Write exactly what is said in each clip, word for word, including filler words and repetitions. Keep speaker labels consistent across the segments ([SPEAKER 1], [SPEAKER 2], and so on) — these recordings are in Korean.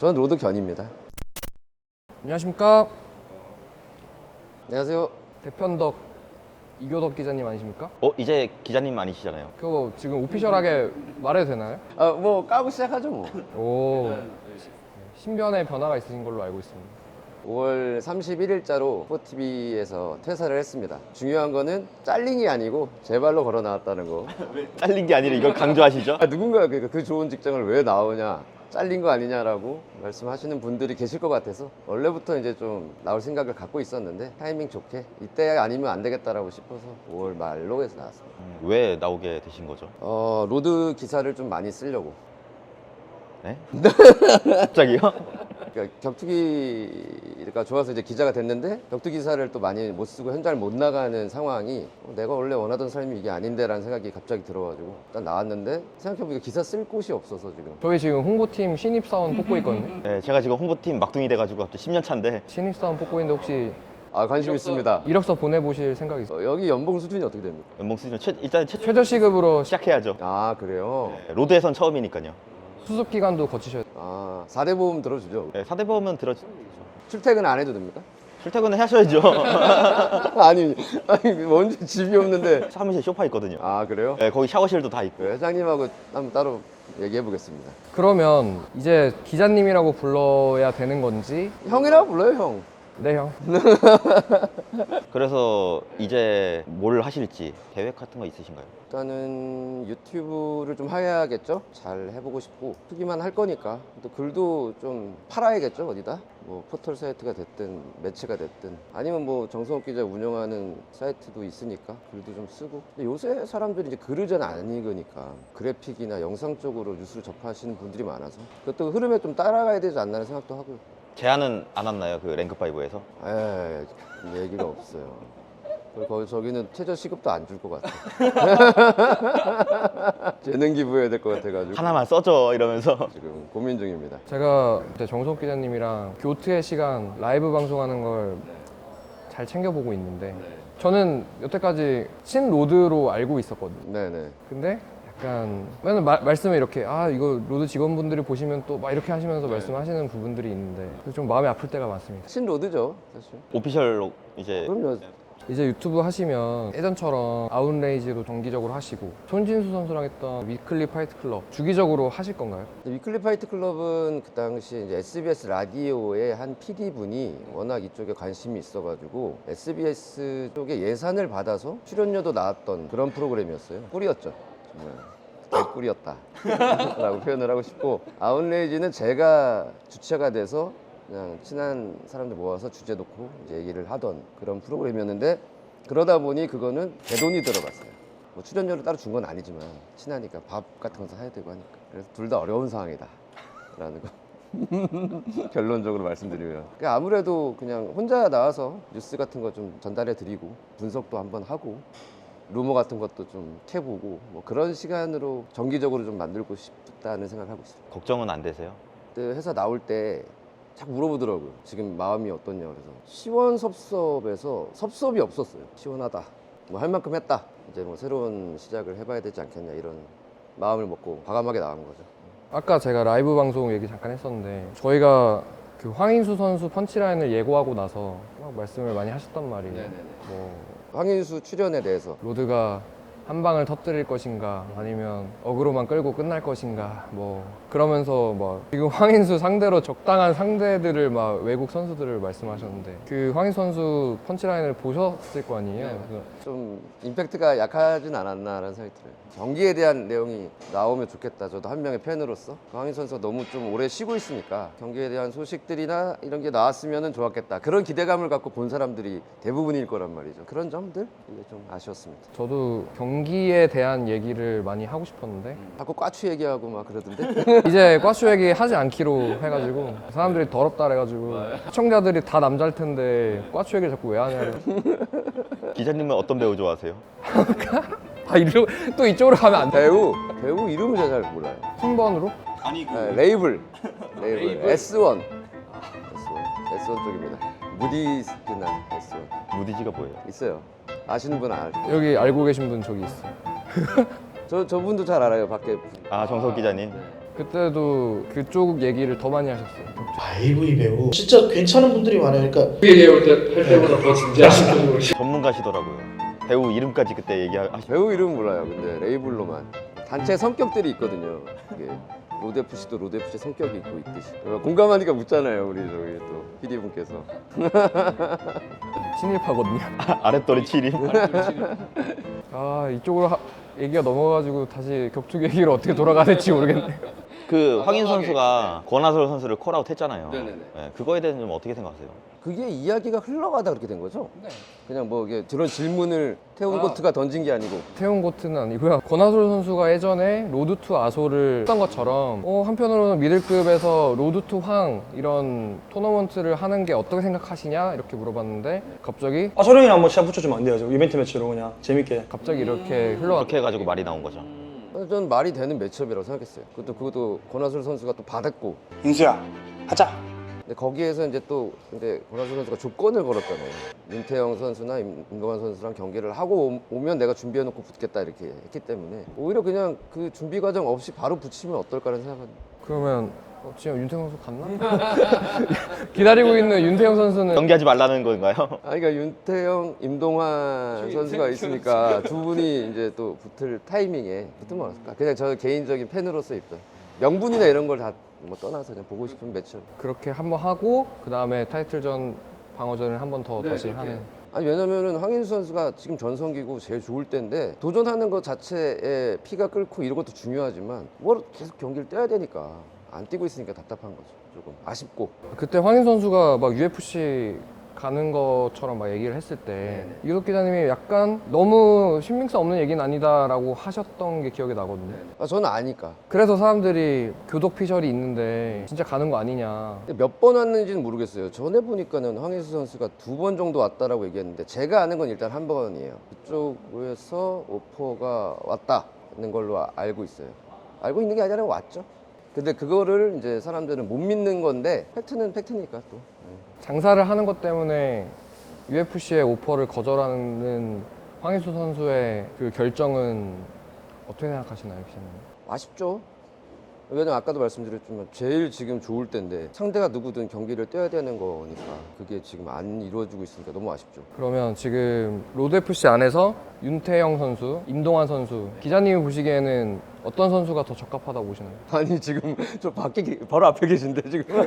[SPEAKER 1] 저는 로드 견입니다.
[SPEAKER 2] 안녕하십니까.
[SPEAKER 1] 안녕하세요.
[SPEAKER 2] 대편덕 이교덕 기자님 아니십니까?
[SPEAKER 3] 어? 이제 기자님 아니시잖아요.
[SPEAKER 2] 그거 지금 오피셜하게 말해도 되나요?
[SPEAKER 1] 아, 뭐 까고 시작하죠 뭐.
[SPEAKER 2] 오, 신변의 변화가 있으신 걸로 알고 있습니다.
[SPEAKER 1] 오월 삼십일일자로 포티비에서 퇴사를 했습니다. 중요한 거는 잘링이 아니고 제 발로 걸어 나왔다는 거.
[SPEAKER 3] 잘린 게 아니라 이걸 강조하시죠?
[SPEAKER 1] 아, 누군가 그, 그 좋은 직장을 왜 나오냐, 잘린 거 아니냐라고 말씀하시는 분들이 계실 것 같아서 원래부터 이제 좀 나올 생각을 갖고 있었는데 타이밍 좋게 이때 아니면 안 되겠다라고 싶어서 오월 말로 해서 나왔습니다.
[SPEAKER 3] 음, 왜 나오게 되신 거죠?
[SPEAKER 1] 어, 로드 기사를 좀 많이 쓰려고.
[SPEAKER 3] 네? 갑자기요?
[SPEAKER 1] 그러니까 격투기가 좋아서 이제 기자가 됐는데 격투 기사를 또 많이 못 쓰고 현장을 못 나가는 상황이 어, 내가 원래 원하던 삶이 이게 아닌데라는 생각이 갑자기 들어가지고 일단 나왔는데 생각해보니까 기사 쓸 곳이 없어서 지금.
[SPEAKER 2] 저희 지금 홍보팀 신입사원 뽑고 있거든요.
[SPEAKER 3] 네, 제가 지금 홍보팀 막둥이 돼가지고 갑자기 십 년 차인데
[SPEAKER 2] 신입사원 뽑고 있는데 혹시
[SPEAKER 1] 아, 관심 있습니다.
[SPEAKER 2] 이력서 보내보실 생각 있어요?
[SPEAKER 1] 어, 여기 연봉 수준이 어떻게 됩니까?
[SPEAKER 3] 연봉 수준 최, 일단 최,
[SPEAKER 2] 최저 시급으로
[SPEAKER 3] 시작해야죠.
[SPEAKER 1] 아, 그래요?
[SPEAKER 3] 네, 로드에선 처음이니까요.
[SPEAKER 2] 수습 기간도 거치셔야 돼요.
[SPEAKER 1] 아, 사 대 보험 들어주죠.
[SPEAKER 3] 네, 사 대 보험은 들어
[SPEAKER 1] 출퇴근 안 해도 됩니까?
[SPEAKER 3] 출퇴근은 하셔야죠.
[SPEAKER 1] 아니, 아니 언제 집이 없는데.
[SPEAKER 3] 사무실 소파 있거든요.
[SPEAKER 1] 아, 그래요?
[SPEAKER 3] 네, 거기 샤워실도 다 있고.
[SPEAKER 1] 그 회장님하고 한번 따로 얘기해 보겠습니다.
[SPEAKER 2] 그러면 이제 기자님이라고 불러야 되는 건지?
[SPEAKER 1] 형이라고 불러요, 형.
[SPEAKER 2] 네, 형.
[SPEAKER 3] 그래서 이제 뭘 하실지 계획 같은 거 있으신가요?
[SPEAKER 1] 일단은 유튜브를 좀 해야겠죠? 잘 해보고 싶고 쓰기만 할 거니까 또 글도 좀 팔아야겠죠, 어디다? 뭐 포털 사이트가 됐든 매체가 됐든 아니면 뭐 정성욱 기자 운영하는 사이트도 있으니까 글도 좀 쓰고. 근데 요새 사람들이 이제 글을 잘 안 읽으니까 그래픽이나 영상 쪽으로 뉴스를 접하시는 분들이 많아서 그것도 흐름에 좀 따라가야 되지 않나 생각도 하고요.
[SPEAKER 3] 제안은 안 왔나요? 그 랭크파이브에서?
[SPEAKER 1] 에 얘기가 없어요. 그리고 거기 저기는 최저 시급도 안 줄 것 같아. 재능 기부해야 될 것 같아가지고
[SPEAKER 3] 하나만 써줘 이러면서.
[SPEAKER 1] 지금 고민 중입니다.
[SPEAKER 2] 제가 그때 정석 기자님이랑 교트의 시간 라이브 방송하는 걸 잘 챙겨보고 있는데 저는 여태까지 신로드로 알고 있었거든요.
[SPEAKER 1] 네네.
[SPEAKER 2] 근데 약간 맨날 마, 말씀을 이렇게 아 이거 로드 직원분들이 보시면 또 막 이렇게 하시면서 말씀하시는 부분들이 있는데 좀 마음이 아플 때가 많습니다.
[SPEAKER 1] 신로드죠, 사실.
[SPEAKER 3] 오피셜로 이제
[SPEAKER 1] 그럼요.
[SPEAKER 2] 이제 유튜브 하시면 예전처럼 아웃레이지로 정기적으로 하시고 손진수 선수랑 했던 위클리 파이트 클럽 주기적으로 하실 건가요?
[SPEAKER 1] 위클리 파이트 클럽은 그 당시 이제 에스비에스 라디오의 한 피디분이 워낙 이쪽에 관심이 있어가지고 에스비에스 쪽에 예산을 받아서 출연료도 나왔던 그런 프로그램이었어요. 꿀이었죠. 정말. 개꿀이었다 라고 표현을 하고 싶고, 아웃레이지는 제가 주체가 돼서 그냥 친한 사람들 모아서 주제 놓고 이제 얘기를 하던 그런 프로그램이었는데, 그러다 보니 그거는 대돈이 들어갔어요. 뭐 출연료를 따로 준 건 아니지만 친하니까 밥 같은 것도 사야 되고 하니까. 그래서 둘 다 어려운 상황이다 라는 거 결론적으로 말씀드리면, 그러니까 아무래도 그냥 혼자 나와서 뉴스 같은 거 좀 전달해 드리고 분석도 한번 하고 루머 같은 것도 좀 캐보고 뭐 그런 시간으로 정기적으로 좀 만들고 싶다는 생각을 하고 있어요.
[SPEAKER 3] 걱정은 안 되세요?
[SPEAKER 1] 그때 회사 나올 때 자꾸 물어보더라고요. 지금 마음이 어떠냐. 그래서 시원섭섭에서 섭섭이 없었어요. 시원하다. 뭐 할 만큼 했다. 이제 뭐 새로운 시작을 해봐야 되지 않겠냐, 이런 마음을 먹고 과감하게 나간 거죠.
[SPEAKER 2] 아까 제가 라이브 방송 얘기 잠깐 했었는데 저희가 그 황인수 선수 펀치라인을 예고하고 나서 막 말씀을 많이 하셨단 말이에요. 뭐
[SPEAKER 1] 황인수 출연에 대해서
[SPEAKER 2] 로드가 한 방을 터뜨릴 것인가 아니면 어그로만 끌고 끝날 것인가 뭐 그러면서 막 지금 황인수 상대로 적당한 상대들을 막 외국 선수들을 말씀하셨는데 그 황인수 선수 펀치라인을 보셨을 거 아니에요.
[SPEAKER 1] 네.
[SPEAKER 2] 그래서
[SPEAKER 1] 좀 임팩트가 약하진 않았나라는 생각이 들어요. 경기에 대한 내용이 나오면 좋겠다. 저도 한 명의 팬으로서 황인 선수가 너무 좀 오래 쉬고 있으니까 경기에 대한 소식들이나 이런 게 나왔으면 좋았겠다. 그런 기대감을 갖고 본 사람들이 대부분일 거란 말이죠. 그런 점들 이게 좀 아쉬웠습니다.
[SPEAKER 2] 저도 경기에 대한 얘기를 많이 하고 싶었는데
[SPEAKER 1] 자꾸 꽈추 얘기하고 막 그러던데.
[SPEAKER 2] 이제 과수 얘기 하지 않기로 해가지고 사람들이 더럽다 그래가지고 시청자들이 다 남자일 텐데 과수 얘기를 자꾸 왜 하냐고.
[SPEAKER 3] 기자님은 어떤 배우 좋아하세요?
[SPEAKER 2] 아 이러 또 이쪽으로 가면 안 돼.
[SPEAKER 1] 배우 배우 이름을 제가 잘 몰라요.
[SPEAKER 2] 순번으로?
[SPEAKER 3] 아니
[SPEAKER 1] 네, 레이블 레이블 에스원 에스원 에스원 쪽입니다. 무디스나 에스원
[SPEAKER 3] 무디지가 뭐예요?
[SPEAKER 1] 있어요. 아시는 분 알.
[SPEAKER 2] 여기 알고 계신 분 저기 있어요.
[SPEAKER 1] 저 저분도 잘 알아요. 밖에.
[SPEAKER 3] 아 정석 기자님.
[SPEAKER 2] 그때도 그쪽 얘기를 더 많이 하셨어요.
[SPEAKER 4] 아이브이 배우 진짜 괜찮은 분들이 많아요. 그러니까
[SPEAKER 2] 그 얘기할 때, 할 때보다 더 진지하신 분으로.
[SPEAKER 3] 전문가시더라고요. 배우 이름까지 그때 얘기하시.
[SPEAKER 1] 배우 이름 몰라요. 근데 레이블로만 단체 성격들이 있거든요. 이게 로데프씨도 로데프씨 성격이 있고 있듯이 공감하니까 묻잖아요. 우리 저기 또 피디분께서.
[SPEAKER 2] 친일파거든요.
[SPEAKER 3] 아랫도리 칠임.
[SPEAKER 2] 아 이쪽으로 하, 얘기가 넘어가지고 다시 격투기 얘기로 어떻게 돌아가야 될지 모르겠네요.
[SPEAKER 3] 그 황인 선수가 권하솔 선수를 콜아웃 했잖아요.
[SPEAKER 1] 네네네.
[SPEAKER 3] 네, 그거에 대해서 좀 어떻게 생각하세요?
[SPEAKER 1] 그게 이야기가 흘러가다 그렇게 된 거죠?
[SPEAKER 2] 네.
[SPEAKER 1] 그냥 뭐 이게 그런 질문을 태훈
[SPEAKER 2] 아.
[SPEAKER 1] 고트가 던진 게 아니고.
[SPEAKER 2] 태훈 고트는 아니고요. 권하솔 선수가 예전에 로드 투 아소를 했던 것처럼 어, 한편으로는 미들급에서 로드 투 황 이런 토너먼트를 하는 게 어떻게 생각하시냐 이렇게 물어봤는데 갑자기
[SPEAKER 5] 아 소령이랑 한번 시합 붙여주면 안 돼요? 저 이벤트 매치로 그냥 재밌게.
[SPEAKER 2] 갑자기 이렇게 흘러가.
[SPEAKER 3] 그렇게 해가지고 말이 나온 거죠.
[SPEAKER 1] 저는 말이 되는 매치업이라고 생각했어요. 그것도 그것도 권하솔 선수가 또 받았고.
[SPEAKER 5] 인수야 하자.
[SPEAKER 1] 근데 거기에서 이제 또 근데 권하솔 선수가 조건을 걸었잖아요. 윤태영 선수나 임- 임동환 선수랑 경기를 하고 오- 오면 내가 준비해놓고 붙겠다 이렇게 했기 때문에 오히려 그냥 그 준비 과정 없이 바로 붙이면 어떨까라는 생각은.
[SPEAKER 2] 그러면 어, 지금 윤태영 선수 갔나? 기다리고 있는 윤태영 선수는
[SPEAKER 3] 경기하지 말라는 건가요?
[SPEAKER 1] 아, 그러니까 윤태영, 임동환 선수가 있으니까 두 분이 이제 또 붙을 타이밍에 붙으면 어떨까? 그냥 저 개인적인 팬으로서 입장. 명분이나 이런 걸 다 뭐 떠나서 그냥 보고 싶은 매치업.
[SPEAKER 2] 그렇게 한번 하고 그 다음에 타이틀전 방어전을 한 번 더 다시 하는.
[SPEAKER 1] 아니 왜냐면은 황인수 선수가 지금 전성기고 제일 좋을 때인데 도전하는 것 자체에 피가 끓고 이런 것도 중요하지만 뭘 계속 경기를 뛰어야 되니까 안 뛰고 있으니까 답답한 거죠. 조금 아쉽고.
[SPEAKER 2] 그때 황인 선수가 막 유에프씨 가는 것처럼 막 얘기를 했을 때 이덕 기자님이 약간 너무 신빙성 없는 얘기는 아니다라고 하셨던 게 기억이 나거든요.
[SPEAKER 1] 아, 저는 아니까.
[SPEAKER 2] 그래서 사람들이 교독 피셜이 있는데 진짜 가는 거 아니냐.
[SPEAKER 1] 몇 번 왔는지는 모르겠어요. 전에 보니까는 황인수 선수가 두 번 정도 왔다라고 얘기했는데 제가 아는 건 일단 한 번이에요. 그쪽에서 오퍼가 왔다는 걸로 아- 알고 있어요. 알고 있는 게 아니라 왔죠. 근데 그거를 이제 사람들은 못 믿는 건데 팩트는 팩트니까 또.
[SPEAKER 2] 장사를 하는 것 때문에 유에프씨의 오퍼를 거절하는 황인수 선수의 그 결정은 어떻게 생각하시나요, 기자님?
[SPEAKER 1] 아쉽죠. 왜냐면 아까도 말씀드렸지만 제일 지금 좋을 때인데 상대가 누구든 경기를 뛰어야 되는 거니까 그게 지금 안 이루어지고 있으니까 너무 아쉽죠.
[SPEAKER 2] 그러면 지금 로드에프씨 안에서 윤태영 선수, 임동환 선수 기자님이 보시기에는 어떤 선수가 더 적합하다고 보시나요?
[SPEAKER 1] 아니 지금 저 밖에 계- 바로 앞에 계신데 지금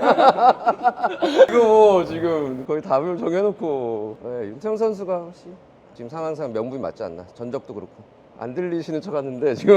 [SPEAKER 1] 이거 지금 거의 답을 정해놓고 네, 윤태영 선수가 훨씬 지금 상황상 명분이 맞지 않나. 전적도 그렇고 안 들리시는 척 하는데 지금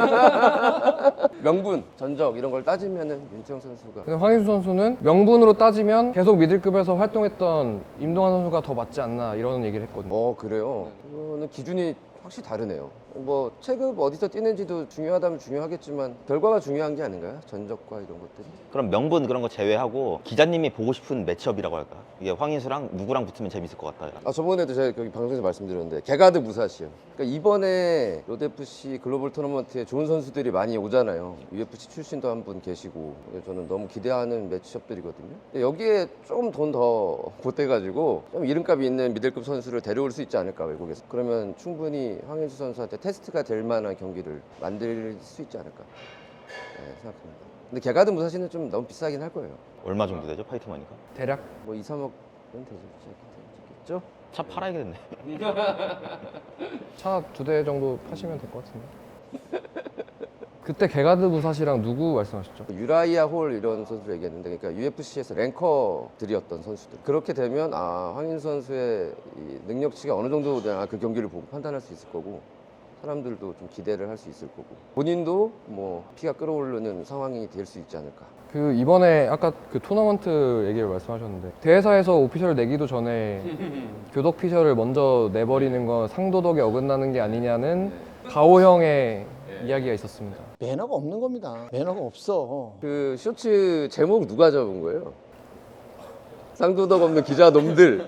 [SPEAKER 1] 명분, 전적 이런 걸 따지면은 윤태영 선수가.
[SPEAKER 2] 근데 황인수 선수는 명분으로 따지면 계속 미들급에서 활동했던 임동환 선수가 더 맞지 않나 이런 얘기를 했거든요.
[SPEAKER 1] 어 그래요? 그거는 기준이 확실히 다르네요. 뭐 체급 어디서 뛰는지도 중요하다면 중요하겠지만 결과가 중요한 게 아닌가요? 전적과 이런 것들이.
[SPEAKER 3] 그럼 명분 그런 거 제외하고 기자님이 보고 싶은 매치업이라고 할까? 이게 황인수랑 누구랑 붙으면 재밌을 것 같다.
[SPEAKER 1] 아 저번에도 제가 여기 방송에서 말씀드렸는데 게가드 무사시요. 그러니까 이번에 로드에프씨 글로벌 토너먼트에 좋은 선수들이 많이 오잖아요. 유에프씨 출신도 한 분 계시고 그래서 저는 너무 기대하는 매치업들이거든요. 근데 여기에 좀 돈 더 보태가지고 좀 이름값이 있는 미들급 선수를 데려올 수 있지 않을까 외국에서. 그러면 충분히 황인수 선수한테 테스트가 될 만한 경기를 만들 수 있지 않을까 네, 생각합니다. 근데 게가드 무사시는 좀 너무 비싸긴 할 거예요.
[SPEAKER 3] 얼마 정도 되죠? 파이트머니까?
[SPEAKER 2] 대략
[SPEAKER 1] 뭐 이, 삼억은 되겠죠?
[SPEAKER 3] 차 팔아야겠네.
[SPEAKER 2] 차 두 대 정도 파시면 될 것 같은데. 그때 게가드 무사시랑 누구 말씀하셨죠?
[SPEAKER 1] 유라이아 홀 이런 선수를 얘기했는데 그러니까 유에프씨에서 랭커들이었던 선수들. 그렇게 되면 아 황인 선수의 이 능력치가 어느 정도 되나 그 경기를 보고 판단할 수 있을 거고 사람들도 좀 기대를 할 수 있을 거고 본인도 뭐 피가 끓어오르는 상황이 될 수 있지 않을까.
[SPEAKER 2] 그 이번에 아까 그 토너먼트 얘기를 말씀하셨는데 대회사에서 오피셜 내기도 전에 교독 피셜을 먼저 내버리는 건 상도덕에 어긋나는 게 아니냐는 가오 형의 이야기가 있었습니다.
[SPEAKER 4] 매너가 없는 겁니다. 매너가 없어.
[SPEAKER 1] 그 쇼츠 제목 누가 잡은 거예요? 상도덕 없는 기자 놈들.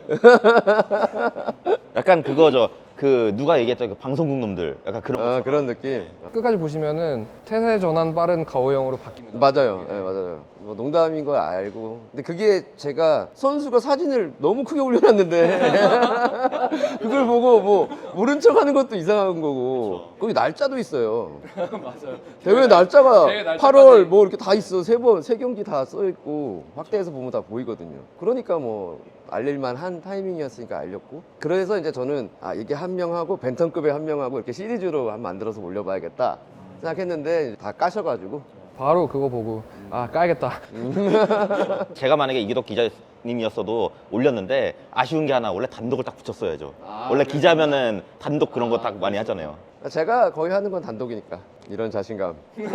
[SPEAKER 3] 약간 그거죠. 그 누가 얘기했죠? 그 방송국 놈들. 약간 그런.
[SPEAKER 1] 아 그런 느낌.
[SPEAKER 2] 끝까지 보시면은 태세 전환 빠른 가오 형으로 바뀝니다.
[SPEAKER 1] 맞아요. 네, 맞아요. 알아요. 뭐 농담인 걸 알고. 근데 그게 제가 선수가 사진을 너무 크게 올려놨는데 그걸 보고 뭐 모른 척하는 것도 이상한 거고. 거기 날짜도 있어요.
[SPEAKER 2] 맞아요.
[SPEAKER 1] 대회 날짜가
[SPEAKER 2] 대회 날짜까지.
[SPEAKER 1] 팔월 뭐 이렇게 다 있어. 세 번, 세 경기 다 써 있고 확대해서 보면 다 보이거든요. 그러니까 뭐 알릴만 한 타이밍이었으니까 알렸고. 그래서 이제 저는 아 이게 한 명하고 벤턴급에 한 명하고 이렇게 시리즈로 한 만들어서 올려봐야겠다 생각했는데 다 까셔가지고
[SPEAKER 2] 바로 그거 보고 아 까야겠다.
[SPEAKER 3] 제가 만약에 이기덕 기자님이었어도 올렸는데 아쉬운 게 하나 원래 단독을 딱 붙였어야죠.
[SPEAKER 1] 아,
[SPEAKER 3] 원래
[SPEAKER 1] 그래요?
[SPEAKER 3] 기자면은 단독 그런 거 딱 많이 하잖아요.
[SPEAKER 1] 제가 거의 하는 건 단독이니까 이런 자신감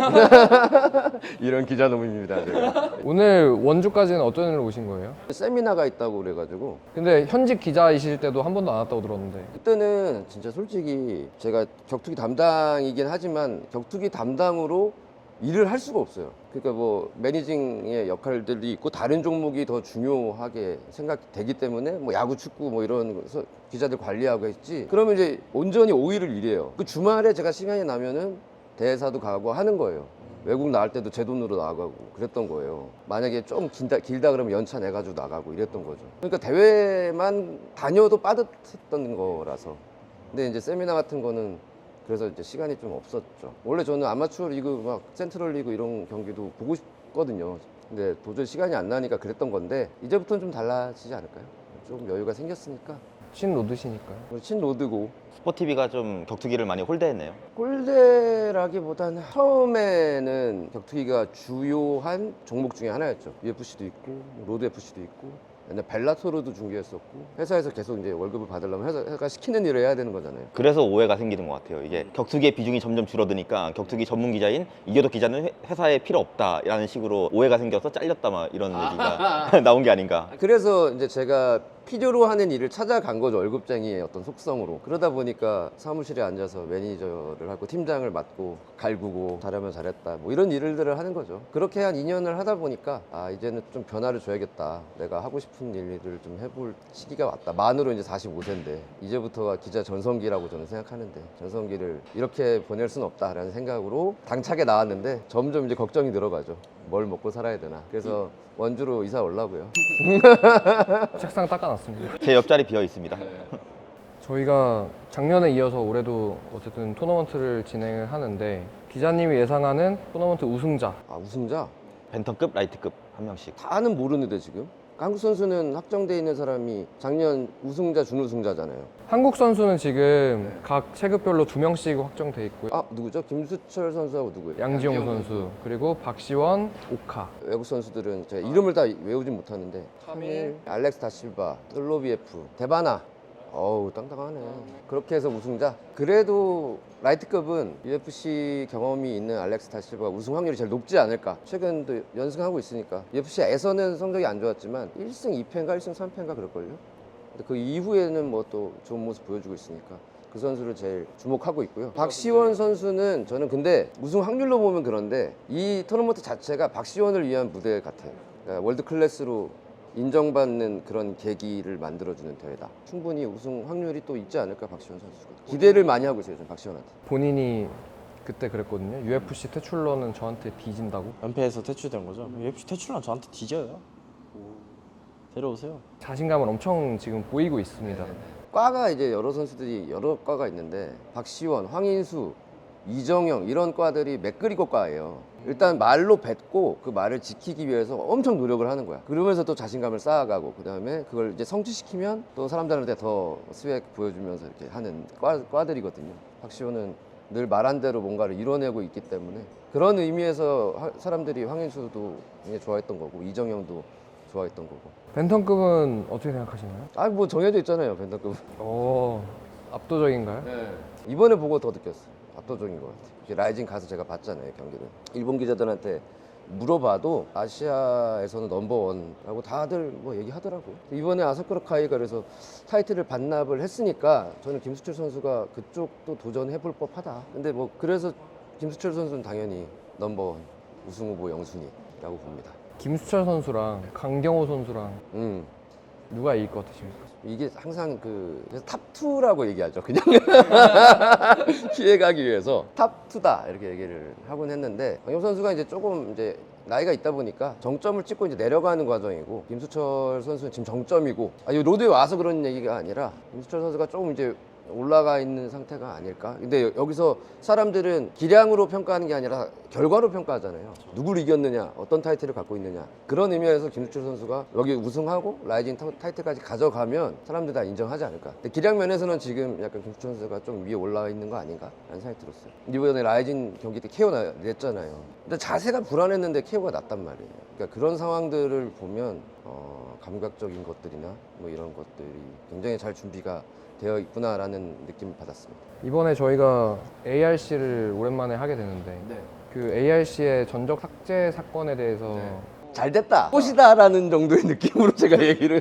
[SPEAKER 1] 이런 기자놈입니다 제가.
[SPEAKER 2] 오늘 원주까지는 어떤 일로 오신 거예요?
[SPEAKER 1] 세미나가 있다고 그래가지고
[SPEAKER 2] 근데 현직 기자이실 때도 한 번도 안 왔다고 들었는데.
[SPEAKER 1] 그때는 진짜 솔직히 제가 격투기 담당이긴 하지만 격투기 담당으로 일을 할 수가 없어요. 그러니까 뭐 매니징의 역할들이 있고 다른 종목이 더 중요하게 생각되기 때문에 뭐 야구, 축구 뭐 이런 서- 기자들 관리하고 했지. 그러면 이제 온전히 오 일을 일해요. 그 주말에 제가 시간이 나면은 대사도 가고 하는 거예요. 외국 나갈 때도 제 돈으로 나가고 그랬던 거예요. 만약에 좀 길다, 길다 그러면 연차 내가지고 나가고 이랬던 거죠. 그러니까 대회만 다녀도 빠듯했던 거라서. 근데 이제 세미나 같은 거는 그래서 이제 시간이 좀 없었죠. 원래 저는 아마추어 리그 막 센트럴 리그 이런 경기도 보고 싶거든요. 근데 도저히 시간이 안 나니까 그랬던 건데 이제부터는 좀 달라지지 않을까요? 좀 여유가 생겼으니까.
[SPEAKER 2] 신로드시니까요.
[SPEAKER 1] 우리 친로드고
[SPEAKER 3] 스포티비가 좀 격투기를 많이 홀대했네요.
[SPEAKER 1] 꼴대라기보다는 처음에는 격투기가 주요한 종목 중에 하나였죠. 유에프씨도 있고 로드 에프씨도 있고 옛날 벨라토르도 중계했었고 회사에서 계속 이제 월급을 받으려면 회사, 회사가 시키는 일을 해야 되는 거잖아요.
[SPEAKER 3] 그래서 오해가 생기는 것 같아요. 이게 격투기의 비중이 점점 줄어드니까 격투기 전문 기자인 이겨덕 기자는 회- 회사에 필요 없다라는 식으로 오해가 생겨서 잘렸다 막 이런 얘기가 나온 게 아닌가.
[SPEAKER 1] 그래서 이제 제가 필요로 하는 일을 찾아간 거죠. 월급쟁이의 어떤 속성으로. 그러다 보니까 사무실에 앉아서 매니저를 하고 팀장을 맡고 갈구고 잘하면 잘했다 뭐 이런 일들을 하는 거죠. 그렇게 한 이 년을 하다 보니까 아 이제는 좀 변화를 줘야겠다. 내가 하고 싶은 일들을 좀 해볼 시기가 왔다. 만으로 이제 사십오 세인데 이제부터가 기자 전성기라고 저는 생각하는데 전성기를 이렇게 보낼 수는 없다라는 생각으로 당차게 나왔는데 점점 이제 걱정이 늘어가죠. 뭘 먹고 살아야 되나. 그래서 원주로 이사 오려고요.
[SPEAKER 2] 책상 닦아놨습니다.
[SPEAKER 3] 제 옆자리 비어 있습니다.
[SPEAKER 2] 저희가 작년에 이어서 올해도 어쨌든 토너먼트를 진행을 하는데 기자님이 예상하는 토너먼트 우승자.
[SPEAKER 1] 아 우승자?
[SPEAKER 3] 벤턴급, 라이트급 한 명씩.
[SPEAKER 1] 다는 모르는데 지금 한국 선수는 확정돼 있는 사람이 작년 우승자 준우승자잖아요.
[SPEAKER 2] 한국 선수는 지금 각 체급별로 두 명씩 확정돼 있고요.
[SPEAKER 1] 아 누구죠? 김수철 선수하고 누구예요?
[SPEAKER 2] 양지용 선수 그리고 박시원, 오카.
[SPEAKER 1] 외국 선수들은 제가 이름을 다 외우진 못하는데
[SPEAKER 2] 카밀,
[SPEAKER 1] 알렉스 다실바, 슬로비에프, 데바나. 어우 땅땅하네. 그렇게 해서 우승자. 그래도 라이트급은 유에프씨 경험이 있는 알렉스 다실바가 우승 확률이 제일 높지 않을까. 최근도 연승하고 있으니까. 유에프씨에서는 성적이 안 좋았지만 일 승 이 패인가 일 승 삼 패인가 그럴걸요. 근데 그 이후에는 뭐 또 좋은 모습 보여주고 있으니까 그 선수를 제일 주목하고 있고요. 박시원 선수는 저는 근데 우승 확률로 보면 그런데 이 토너먼트 자체가 박시원을 위한 무대 같아요. 그러니까 월드 클래스로 인정받는 그런 계기를 만들어주는 대회다. 충분히 우승 확률이 또 있지 않을까 박시원 선수가. 기대를 많이 하고 있어요, 저는 박시원한테.
[SPEAKER 2] 본인이 그때 그랬거든요. 유에프씨 퇴출러는 저한테 뒤진다고.
[SPEAKER 6] 연패에서 퇴출된 거죠. 유에프씨 퇴출하면 저한테 뒤져요. 데려오세요.
[SPEAKER 2] 자신감을 엄청 지금 보이고 있습니다.
[SPEAKER 1] 과가 이제 여러 선수들이 여러 과가 있는데 박시원, 황인수, 이정영 이런 과들이 맥그리거 과예요. 일단 말로 뱉고 그 말을 지키기 위해서 엄청 노력을 하는 거야. 그러면서 또 자신감을 쌓아가고 그 다음에 그걸 이제 성취시키면 또 사람들한테 더 스웩 보여주면서 이렇게 하는 과, 과들이거든요. 박시원은 늘 말한 대로 뭔가를 이뤄내고 있기 때문에 그런 의미에서 하- 사람들이 황인수도 굉장히 좋아했던 거고 이정영도 좋아했던 거고.
[SPEAKER 2] 벤턴급은 어떻게 생각하시나요?
[SPEAKER 1] 아 뭐 정해져 있잖아요, 벤더급.
[SPEAKER 2] 오, 압도적인가요?
[SPEAKER 1] 이번에 보고 더 느꼈어요. 압도적인 것 같아요. 이렇게 라이징 가서 제가 봤잖아요, 경기를. 일본 기자들한테 물어봐도 아시아에서는 넘버원라고 다들 뭐 얘기하더라고. 이번에 아사쿠라카이가 그래서 타이틀을 반납을 했으니까 저는 김수철 선수가 그쪽도 도전해볼 법하다. 근데 뭐 그래서 김수철 선수는 당연히 넘버원 우승 후보 영순위라고 봅니다.
[SPEAKER 2] 김수철 선수랑 강경호 선수랑
[SPEAKER 1] 음.
[SPEAKER 2] 누가 이길 것 같으십니까?
[SPEAKER 1] 이게 항상 그 그래서 탑투라고 얘기하죠. 그냥 피해가기 위해서 탑투다 이렇게 얘기를 하곤 했는데 강용 선수가 이제 조금 이제 나이가 있다 보니까 정점을 찍고 이제 내려가는 과정이고, 김수철 선수는 지금 정점이고, 아, 이 로드에 와서 그런 얘기가 아니라 김수철 선수가 조금 이제 올라가 있는 상태가 아닐까. 근데 여- 여기서 사람들은 기량으로 평가하는 게 아니라 결과로 평가하잖아요. 누구를 이겼느냐, 어떤 타이틀을 갖고 있느냐. 그런 의미에서 김수철 선수가 여기 우승하고 라이징 타- 타이틀까지 가져가면 사람들 다 인정하지 않을까. 근데 기량 면에서는 지금 약간 김수철 선수가 좀 위에 올라와 있는 거 아닌가 라는 생각이 들었어요. 이번에 라이징 경기 때 케어 나- 냈잖아요. 근데 자세가 불안했는데 케어가 났단 말이에요. 그러니까 그런 상황들을 보면 어, 감각적인 것들이나 뭐 이런 것들이 굉장히 잘 준비가 되어 있구나라는 느낌을 받았습니다.
[SPEAKER 2] 이번에 저희가 에이알씨를 오랜만에 하게 되는데 그 에이알씨의 전적 삭제 사건에 대해서
[SPEAKER 1] 잘 됐다, 꽃이다라는 정도의 느낌으로 제가 얘기를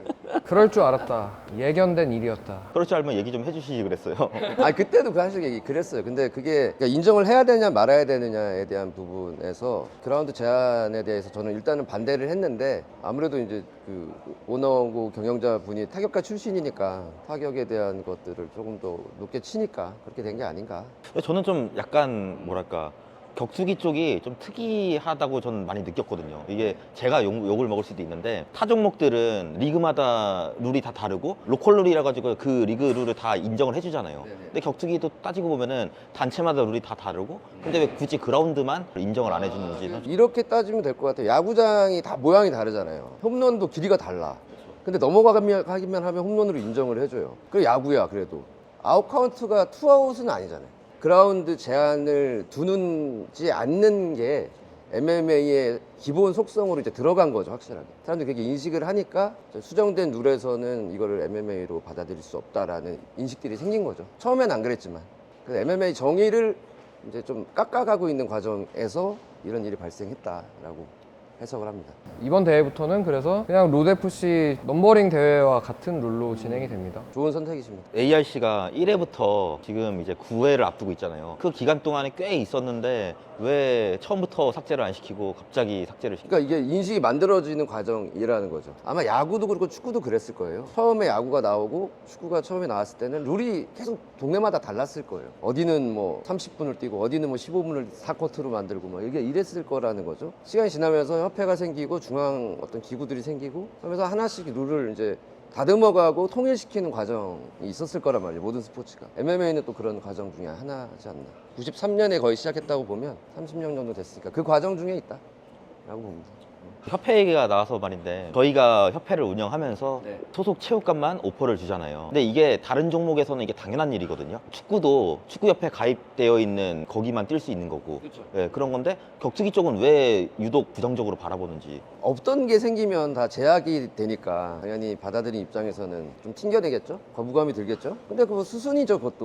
[SPEAKER 2] 그럴 줄 알았다. 예견된 일이었다.
[SPEAKER 3] 그럴 줄 알면 얘기 좀 해주시지 그랬어요.
[SPEAKER 1] 아 그때도 그 사실 얘기 그랬어요. 근데 그게 그러니까 인정을 해야 되냐 말아야 되느냐에 대한 부분에서 그라운드 제한에 대해서 저는 일단은 반대를 했는데, 아무래도 이제 그 오너고 경영자 분이 타격가 출신이니까 타격에 대한 것들을 조금 더 높게 치니까 그렇게 된 게 아닌가.
[SPEAKER 3] 근데 저는 좀 약간 뭐랄까 격투기 쪽이 좀 특이하다고 저는 많이 느꼈거든요. 이게 제가 욕, 욕을 먹을 수도 있는데 타 종목들은 리그마다 룰이 다 다르고 로컬 룰이라 가지고 그 리그 룰을 다 인정을 해주잖아요.
[SPEAKER 1] 네네.
[SPEAKER 3] 근데 격투기도 따지고 보면은 단체마다 룰이 다 다르고, 근데 왜 굳이 그라운드만 인정을 안 해주는지.
[SPEAKER 1] 이렇게 따지면 될 것 같아요. 야구장이 다 모양이 다르잖아요. 홈런도 길이가 달라. 근데 넘어가기만 하기만 하면 홈런으로 인정을 해줘요. 그래 야구야. 그래도 아웃 카운트가 투아웃은 아니잖아요. 그라운드 제한을 두는지 않는 게 엠엠에이의 기본 속성으로 이제 들어간 거죠, 확실하게. 사람들이 그렇게 인식을 하니까 수정된 룰에서는 이거를 엠엠에이로 받아들일 수 없다라는 인식들이 생긴 거죠. 처음엔 안 그랬지만. 그래서 엠엠에이 정의를 이제 좀 깎아가고 있는 과정에서 이런 일이 발생했다라고 해석을 합니다.
[SPEAKER 2] 이번 대회부터는 그래서 그냥 로드에프씨 넘버링 대회와 같은 룰로 진행이 됩니다.
[SPEAKER 1] 좋은 선택이십니다.
[SPEAKER 3] 에이알씨가 일 회부터 지금 이제 구 회를 앞두고 있잖아요. 그 기간 동안에 꽤 있었는데 왜 처음부터 삭제를 안 시키고 갑자기 삭제를 시키고.
[SPEAKER 1] 그러니까 이게 인식이 만들어지는 과정이라는 거죠. 아마 야구도 그렇고 축구도 그랬을 거예요. 처음에 야구가 나오고 축구가 처음에 나왔을 때는 룰이 계속 동네마다 달랐을 거예요. 어디는 뭐 삼십 분을 뛰고 어디는 뭐 십오 분을 사 쿼터로 만들고 막 이게 이랬을 거라는 거죠. 시간이 지나면서 협회가 생기고 중앙 어떤 기구들이 생기고 하면서 하나씩 룰을 이제 다듬어가고 통일시키는 과정이 있었을 거란 말이에요. 모든 스포츠가. 엠엠에이는 또 그런 과정 중에 하나지 않나. 구십삼 년에 거의 시작했다고 보면 삼십 년 정도 됐으니까 그 과정 중에 있다라고 봅니다.
[SPEAKER 3] 협회 얘기가 나와서 말인데, 저희가 협회를 운영하면서
[SPEAKER 1] 네.
[SPEAKER 3] 소속 체육관만 오퍼를 주잖아요. 근데 이게 다른 종목에서는 이게 당연한 일이거든요. 축구도 축구협회 가입되어 있는 거기만 뛸 수 있는 거고.
[SPEAKER 1] 그렇죠.
[SPEAKER 3] 예, 그런 건데 격투기 쪽은 왜 유독 부정적으로 바라보는지.
[SPEAKER 1] 없던 게 생기면 다 제약이 되니까 당연히 받아들인 입장에서는 좀 튕겨내겠죠? 거부감이 들겠죠? 근데 그거 수순이죠, 그것도.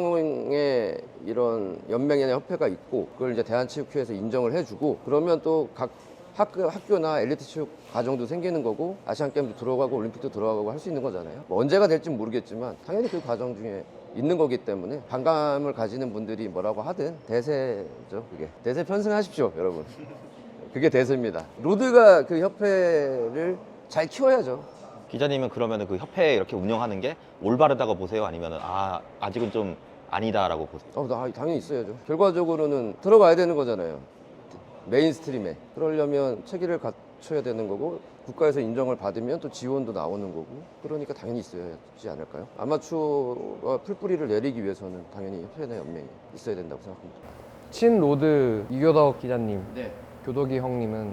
[SPEAKER 1] 중앙에 이런 연맹이나 협회가 있고 그걸 이제 대한체육회에서 인정을 해주고, 그러면 또 각 학교, 학교나 엘리트 체육 과정도 생기는 거고 아시안게임도 들어가고 올림픽도 들어가고 할 수 있는 거잖아요. 뭐 언제가 될지는 모르겠지만 당연히 그 과정 중에 있는 거기 때문에 반감을 가지는 분들이 뭐라고 하든 대세죠, 그게. 대세 편승하십시오, 여러분. 그게 대세입니다. 로드가 그 협회를 잘 키워야죠.
[SPEAKER 3] 기자님은 그러면 그 협회 이렇게 운영하는 게 올바르다고 보세요? 아니면 아 아직은 좀 아니다라고 보세요?
[SPEAKER 1] 어, 나 당연히 있어야죠. 결과적으로는 들어가야 되는 거잖아요. 메인스트림에. 그러려면 체계를 갖춰야 되는 거고 국가에서 인정을 받으면 또 지원도 나오는 거고, 그러니까 당연히 있어야지 않을까요? 아마추어가 풀뿌리를 내리기 위해서는 당연히 협회나 연맹이 있어야 된다고 생각합니다.
[SPEAKER 2] 친 로드 이교덕 기자님,
[SPEAKER 1] 네.
[SPEAKER 2] 교덕이 형님은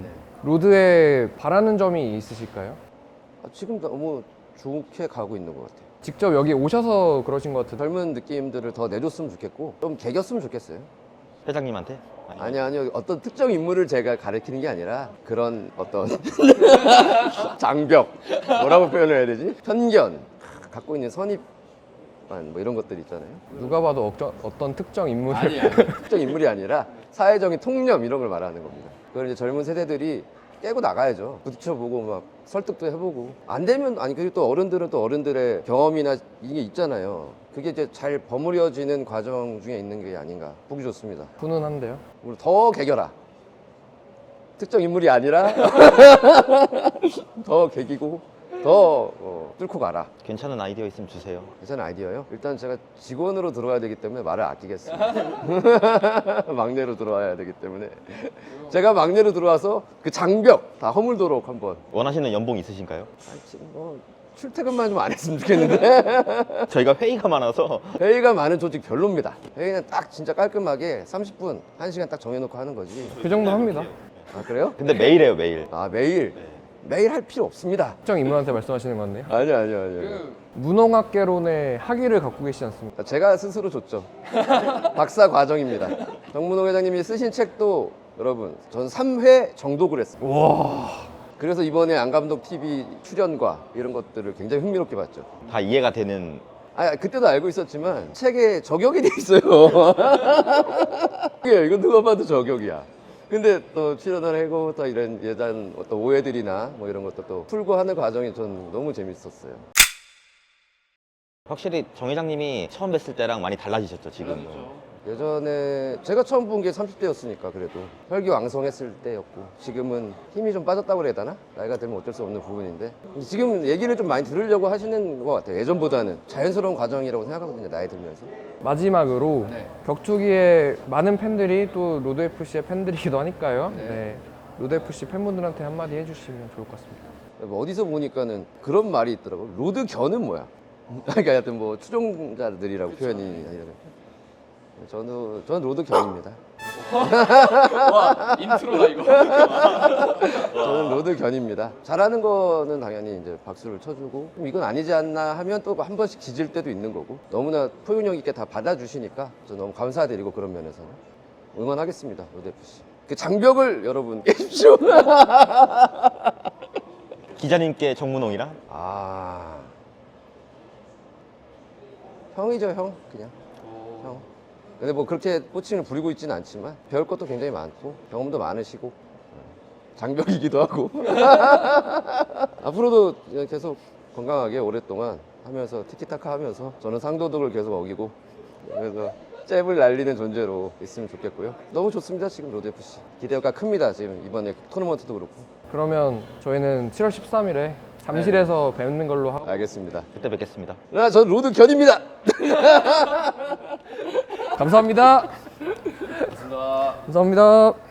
[SPEAKER 2] 로드에 바라는 점이 있으실까요?
[SPEAKER 1] 아, 지금 너무 좋게 가고 있는 것 같아요.
[SPEAKER 2] 직접 여기 오셔서 그러신 것 같은데
[SPEAKER 1] 젊은 느낌들을 더 내줬으면 좋겠고 좀 개겼으면 좋겠어요.
[SPEAKER 3] 회장님한테?
[SPEAKER 1] 아니요, 아니요. 어떤 특정 인물을 제가 가리키는 게 아니라 그런 어떤 장벽, 뭐라고 표현을 해야 되지? 편견, 갖고 있는 선입관 뭐 이런 것들 있잖아요.
[SPEAKER 2] 누가 봐도 어쩌, 어떤 특정 인물을
[SPEAKER 1] 특정 인물이 아니라 사회적인 통념 이런 걸 말하는 겁니다. 그걸 이제 젊은 세대들이 깨고 나가야죠. 부딪혀보고 막 설득도 해보고. 안 되면 아니, 그리고 또 어른들은 또 어른들의 경험이나 이게 있잖아요. 그게 이제 잘 버무려지는 과정 중에 있는 게 아닌가. 보기 좋습니다.
[SPEAKER 2] 훈훈한데요.
[SPEAKER 1] 우리 더 개겨라. 특정 인물이 아니라 더 개기고 더 어, 뚫고 가라.
[SPEAKER 3] 괜찮은 아이디어 있으면 주세요.
[SPEAKER 1] 괜찮은 아이디어요? 일단 제가 직원으로 들어와야 되기 때문에 말을 아끼겠습니다. 막내로 들어와야 되기 때문에 제가 막내로 들어와서 그 장벽 다 허물도록 한번.
[SPEAKER 3] 원하시는 연봉 있으신가요?
[SPEAKER 1] 아, 지금 뭐 출퇴근만 좀 안 했으면 좋겠는데.
[SPEAKER 3] 저희가 회의가 많아서
[SPEAKER 1] 회의가 많은 조직 별로입니다. 회의는 딱 진짜 깔끔하게 삼십 분, 한 시간 딱 정해놓고 하는 거지.
[SPEAKER 2] 그 정도 합니다.
[SPEAKER 1] 아 그래요?
[SPEAKER 3] 근데 매일 해요 매일.
[SPEAKER 1] 아 매일 매일 할 필요 없습니다.
[SPEAKER 2] 특정 인물한테 말씀하시는 것 같네요.
[SPEAKER 1] 아니요 아니요 아니요.
[SPEAKER 2] 문홍학개론의 학위를 갖고 계시지 않습니까?
[SPEAKER 1] 제가 스스로 줬죠. 박사 과정입니다. 정문홍 회장님이 쓰신 책도 여러분 전 삼 회 정독을 했어요.
[SPEAKER 2] 와.
[SPEAKER 1] 그래서 이번에 안감독 티비 출연과 이런 것들을 굉장히 흥미롭게 봤죠.
[SPEAKER 3] 다 이해가 되는.
[SPEAKER 1] 아 그때도 알고 있었지만 책에 저격이 돼 있어요. 이게 이건 누가 봐도 저격이야. 근데 또 출연을 하고 또 이런 예전 어떤 오해들이나 뭐 이런 것도 또 풀고 하는 과정이 전 너무 재밌었어요.
[SPEAKER 3] 확실히 정 회장님이 처음 뵀을 때랑 많이 달라지셨죠 지금.
[SPEAKER 1] 예전에 제가 처음 본 게 삼십 대였으니까 그래도 혈기왕성했을 때였고 지금은 힘이 좀 빠졌다고 그래야 되나? 나이가 들면 어쩔 수 없는 부분인데 지금 얘기를 좀 많이 들으려고 하시는 것 같아요. 예전보다는 자연스러운 과정이라고 생각하거든요. 나이 들면서.
[SPEAKER 2] 마지막으로
[SPEAKER 1] 네.
[SPEAKER 2] 격투기의 많은 팬들이 또 로드에프씨의 팬들이기도 하니까요.
[SPEAKER 1] 네.
[SPEAKER 2] 네. 로드에프씨 팬분들한테 한마디 해주시면 좋을 것 같습니다.
[SPEAKER 1] 뭐 어디서 보니까는 그런 말이 있더라고. 로드 견은 뭐야? 그러니까 하여튼 뭐 추종자들이라고 표현이 아니라. 저는 저는 로드 견입니다.
[SPEAKER 2] 와 인트로다 이거.
[SPEAKER 1] 저는 로드 견입니다. 잘하는 거는 당연히 이제 박수를 쳐주고 좀 이건 아니지 않나 하면 또 한 번씩 지질 때도 있는 거고 너무나 포용력 있게 다 받아주시니까 저 너무 감사드리고 그런 면에서는 응원하겠습니다. 로드에프씨. 그 장벽을 여러분 깨십시오.
[SPEAKER 3] 기자님께 정문홍이랑
[SPEAKER 1] 아 형이죠 형 그냥 형. 근데 뭐 그렇게 호칭을 부리고 있지는 않지만 배울 것도 굉장히 많고 경험도 많으시고 장벽이기도 하고 앞으로도 계속 건강하게 오랫동안 하면서 티키타카 하면서 저는 상도덕을 계속 어기고 그래서 잽을 날리는 존재로 있으면 좋겠고요. 너무 좋습니다. 지금 로드에프씨 기대가 큽니다. 지금 이번에 토너먼트도 그렇고.
[SPEAKER 2] 그러면 저희는 칠월 십삼일에 잠실에서 뵙는 걸로 하고.
[SPEAKER 1] 알겠습니다.
[SPEAKER 3] 그때 뵙겠습니다.
[SPEAKER 1] 아, 전 로드 견입니다.
[SPEAKER 2] 감사합니다. 감사합니다. 감사합니다.